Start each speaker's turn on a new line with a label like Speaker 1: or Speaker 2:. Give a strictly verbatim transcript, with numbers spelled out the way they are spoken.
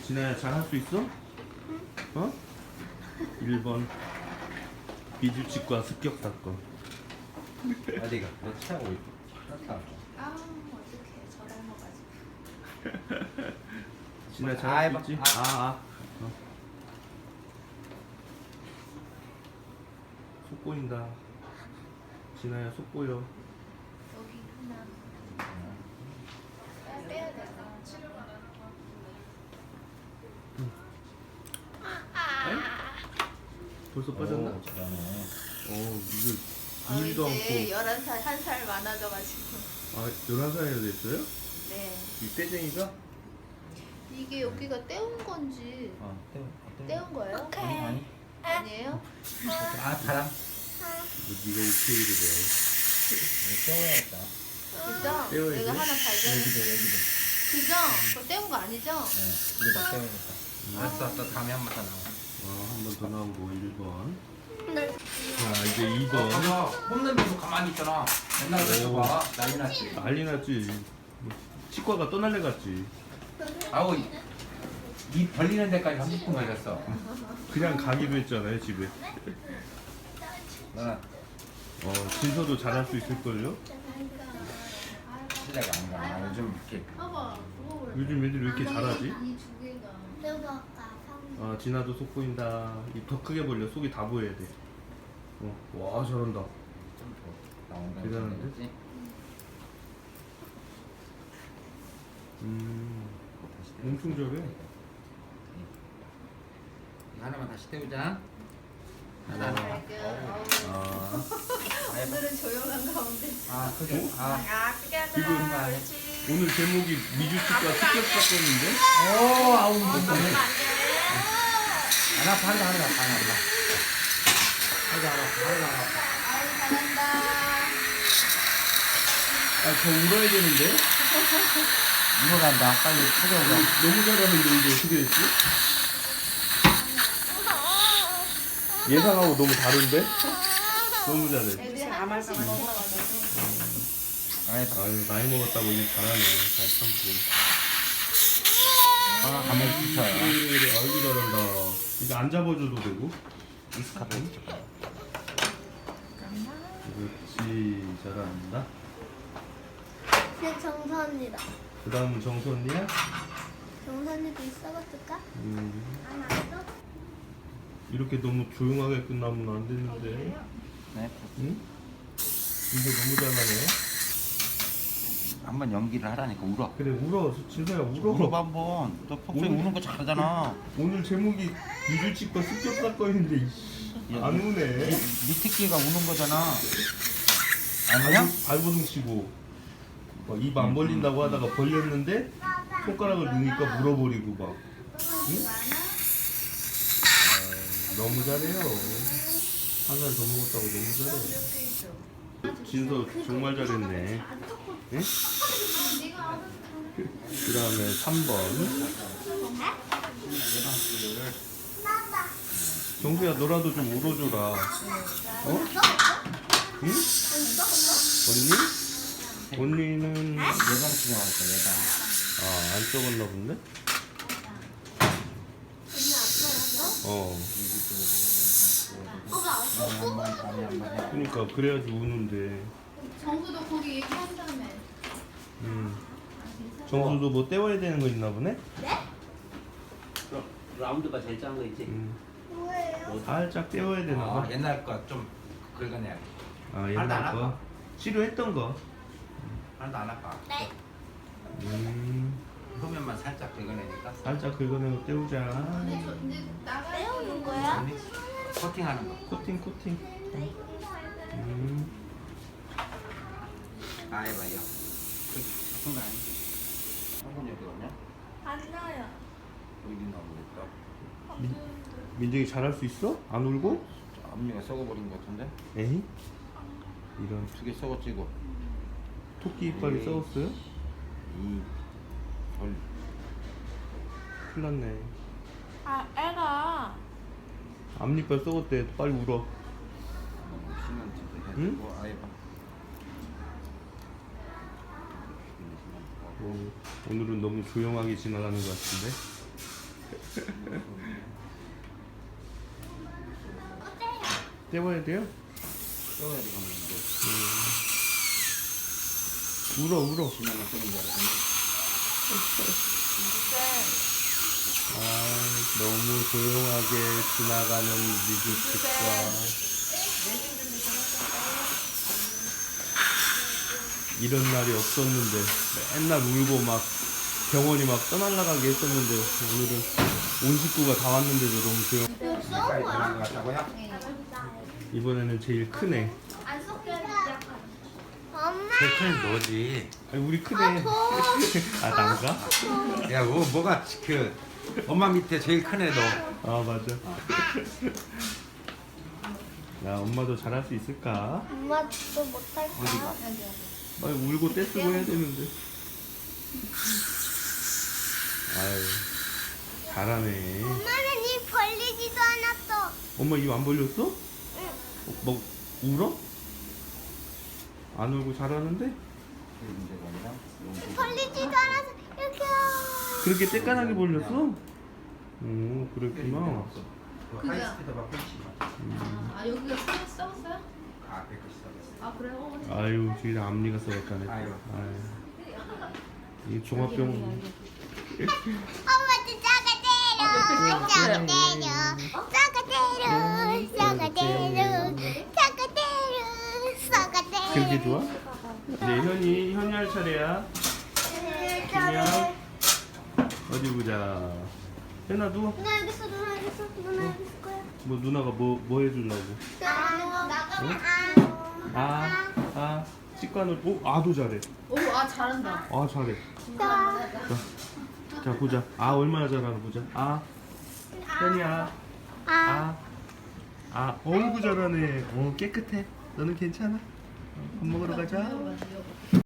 Speaker 1: 진아야 잘 할 수 있어? 어? 일 번 비주치과 습격 사건.
Speaker 2: 어디가? 너 차고 있어.
Speaker 3: 아 어떡해 저랑 먹어가지고.
Speaker 1: 진아 잘
Speaker 2: 아,
Speaker 1: 할
Speaker 2: 해봐.
Speaker 1: 수 있지?
Speaker 2: 아.
Speaker 1: 아, 아. 어. 속 보인다. 진아야 속 보여.
Speaker 3: 여기 하나. 아, 빼야 돼.
Speaker 1: 벌써 빠졌나?
Speaker 2: 오, 잘하네.
Speaker 1: 어, 이거
Speaker 3: 어,
Speaker 1: 일도
Speaker 3: 이제
Speaker 1: 않고.
Speaker 3: 열한 살 한 살 많아져가지고.
Speaker 1: 아, 열한 살이나 됐어요?
Speaker 3: 네.
Speaker 1: 이 떼쟁이가?
Speaker 3: 이게 여기가 떼운 건지
Speaker 2: 어, 떼워. 떼워.
Speaker 3: 떼운 거예요?
Speaker 2: 아니, 아니.
Speaker 3: 아니에요?
Speaker 2: 아, 바람.
Speaker 1: 뭐 네가 오케이를 해.
Speaker 2: 이거 떼워야겠다.
Speaker 3: 그죠?
Speaker 1: 떼워야지.
Speaker 3: 내가 하나 발견했어.
Speaker 2: 여기도, 여기도.
Speaker 3: 그죠? 그거 떼운 거 아니죠?
Speaker 2: 네, 이거 다 떼워야겠다. 알았어, 알았어. 다음에 한 번 더 나와.
Speaker 1: 아, 한 번 더 나오고 일 번.
Speaker 3: 네.
Speaker 1: 자, 이제 이 번.
Speaker 2: 봐봐, 홈런면서 가만히 있잖아. 옛날에 그래서
Speaker 1: 오.
Speaker 2: 봐. 난리 났지.
Speaker 1: 난리 났지. 치과가 떠날래 갔지.
Speaker 2: 아우, 이- 입 벌리는 데까지 삼십 분 걸렸어.
Speaker 1: 그냥 가기도 했잖아요, 집에.
Speaker 2: 나
Speaker 1: 어, 진서도 잘할 수 있을걸요?
Speaker 2: 실례가 안 가. 요즘 이렇게
Speaker 3: 봐봐. 그거 왜?
Speaker 1: 요즘 애들이 왜 이렇게 잘하지?
Speaker 3: 이두 개가.
Speaker 1: 아, 진아도 속 보인다. 입 더 크게 벌려. 속이 다 보여야 돼. 어, 와, 잘한다.
Speaker 2: 나온다.
Speaker 1: 대단한데? 음, 엄청 잘해.
Speaker 2: 하나만 다시 태우자. 하나,
Speaker 3: 아,
Speaker 2: 하나.
Speaker 3: 발견.
Speaker 2: 어우.
Speaker 3: 어우.
Speaker 1: 아,
Speaker 3: 오늘은 조용한 가운데.
Speaker 2: 아, 크게. 아.
Speaker 3: 아, 크게 하자.
Speaker 1: 지금
Speaker 3: 그렇지.
Speaker 1: 오늘 제목이 미주치과 습격 사건인데?
Speaker 2: 오, 아우,
Speaker 3: 어,
Speaker 2: 무섭네.
Speaker 3: 그러면 안 돼.
Speaker 2: 안 아파, 하나, 하나, 하나, 하나. 하나, 하나, 하나, 하나.
Speaker 3: 아유, 잘한다.
Speaker 1: 아, 저 울어야 되는데?
Speaker 2: 일어난다. 빨리 크게 오자.
Speaker 1: 너무 잘하는데 이게 어떻게 됐지? 예상하고 너무 다른데? 너무 잘해.
Speaker 3: 애들이 한 번씩 먹어가지고.
Speaker 2: 아이고.
Speaker 1: 아유, 나이 먹었다고 이게 잘하네. 잘 참고.
Speaker 2: 아, 가만히 있어요.
Speaker 1: 그래, 그래. 아이고, 잘한다. 이거 안 잡아줘도 되고.
Speaker 2: 익숙하게.
Speaker 1: 그렇지, 잘한다.
Speaker 4: 내 정선이다.
Speaker 1: 그 다음은 정선이야?
Speaker 4: 정선이도 있어봤을까?
Speaker 1: 음,
Speaker 4: 안 왔어?
Speaker 1: 이렇게 너무 조용하게 끝나면 안 되는데.
Speaker 2: 네.
Speaker 1: 응? 진짜 너무 잘하네.
Speaker 2: 한번 연기를 하라니까 울어.
Speaker 1: 그래, 울어. 진서야, 울어.
Speaker 2: 울어봐 한번. 너 평소에
Speaker 1: 오늘-
Speaker 2: 우는 거 잘하잖아.
Speaker 1: 오늘 제목이 미주치과 습격 사건인데, 이씨. 안 우네.
Speaker 2: 미특기가 우는 거잖아. 아니야?
Speaker 1: 발버둥 치고 입 안 벌린다고 하다가 벌렸는데 손가락을 넣으니까 물어버리고 막. 응? 아, 너무 잘해요. 한 살 더 먹었다고 너무 잘해. 진서 정말 잘했네. 응? 그 다음에 삼 번. 정수야, 너라도 좀 울어줘라. 어? 응? 언니? 언니는
Speaker 2: 예방 치료하니까 예방.
Speaker 1: 아, 안 썩었나 본데? 어.
Speaker 2: 한번 밤에 한번 해.
Speaker 1: 그러니까 그래야지 우는데.
Speaker 3: 정수도 거기 얘기한다며.
Speaker 1: 음. 정수도 뭐 떼워야 되는 거 있나 보네?
Speaker 5: 그럼 라운드가 제일 작은 거 있지?
Speaker 1: 음.
Speaker 4: 뭐예요?
Speaker 1: 살짝 떼워야 되나
Speaker 2: 아,
Speaker 1: 봐.
Speaker 2: 옛날 거 좀 긁어내야 돼.
Speaker 1: 아,
Speaker 2: 하나도
Speaker 1: 옛날
Speaker 2: 안
Speaker 1: 거.
Speaker 2: 아파.
Speaker 1: 치료했던 거.
Speaker 2: 하나도 안 아파.
Speaker 4: 네.
Speaker 1: 음.
Speaker 2: 표면만 살짝 긁어내니까.
Speaker 1: 살짝 긁어내고 떼우자.
Speaker 3: 근데 저 이제 나가야
Speaker 4: 떼우는 거야?
Speaker 2: 언니, 코팅하는 거.
Speaker 1: 코팅, 코팅. 음.
Speaker 2: 아, 해봐요. 그, 아픈 거 아니야? 한번 여기 오냐?
Speaker 4: 안 나요.
Speaker 2: 여기 나오겠다.
Speaker 1: 민, 민정이 잘할 수 있어? 안 울고?
Speaker 2: 앞니가 썩어버린 것 같은데?
Speaker 1: 에이? 이런
Speaker 2: 두 개 썩어지고.
Speaker 1: 토끼 이빨이
Speaker 2: 에이.
Speaker 1: 썩었어요?
Speaker 2: 이 벌.
Speaker 1: 큰일 났네.
Speaker 4: 아, 애가.
Speaker 1: 앞니빨 썩었대. 빨리 울어.
Speaker 2: 시멘트도 해주고.
Speaker 1: 응?
Speaker 2: 아예 봐.
Speaker 1: 어, 오늘은 너무 조용하게 지나가는 것 같은데. 떼봐야 돼요?
Speaker 2: 떠야 돼, 가면 이제.
Speaker 1: 울어 울어.
Speaker 2: 지나면 뜨는 줄 알았더니.
Speaker 1: 아 너무 조용하게 지나가는 미국집과 이런 날이 없었는데 맨날 울고 막 병원이 막 떠날라가게 했었는데 오늘은 온 식구가 다 왔는데도 너무 조용.
Speaker 2: 가까이 들어간 것 같다고요?
Speaker 1: 이번에는 제일 크네.
Speaker 3: 안 섞여.
Speaker 4: 엄마.
Speaker 2: 제일 큰 너지.
Speaker 1: 아니 우리 크네. 아 난가?
Speaker 2: 야, 뭐, 뭐가 그 엄마 밑에 제일 큰 애 너.
Speaker 1: 아 맞아. 야 엄마도 잘할 수 있을까?
Speaker 4: 엄마도 못할까?
Speaker 2: 어디가?
Speaker 1: 아니 울고 떼쓰고 해야 되는데. 아유 잘하네.
Speaker 4: 엄마는 입 벌리지도 않았어.
Speaker 1: 엄마 입 안 벌렸어? 어, 뭐 울어? 안 울고 잘하는데?
Speaker 4: 벌리지도 않았어. 이렇게.
Speaker 1: 그렇게 떼까나게 벌렸어? 오 그랬구나.
Speaker 2: 하이스피드 막 펼치.
Speaker 3: 아 여기가 써- 써봤어요?
Speaker 2: 아, 백시 써봤어.
Speaker 3: 아 그래요?
Speaker 1: 아유 저기 앞니가 썩었다네.
Speaker 2: 아유.
Speaker 1: 아유. 이 종합병원.
Speaker 4: 엄마도 싸가 때려. 싸가 때려. 싸가 때려. 싸가 때려. 싸가 때려. 싸가 때려.
Speaker 1: 그렇게 좋아? 네 현이 현이 할 차례야. 그냥 어디 보자. 현아 누워.
Speaker 4: 누나 여기 있어. 누나 여기 있어. 누나 여기 있을 거야.
Speaker 1: 뭐 누나가 뭐 뭐 해주려고?
Speaker 4: 아, 나가면 아.
Speaker 1: 아, 아, 치과는 오, 아도 잘해.
Speaker 3: 오아 잘한다.
Speaker 1: 아 잘해.
Speaker 4: 나.
Speaker 1: 자, 자 보자. 아 얼마나 잘하나 보자. 아, 현이야.
Speaker 4: 아.
Speaker 1: 아, 아, 어이구 잘하네. 어 깨끗해. 너는 괜찮아? 어, 밥 먹으러 가자.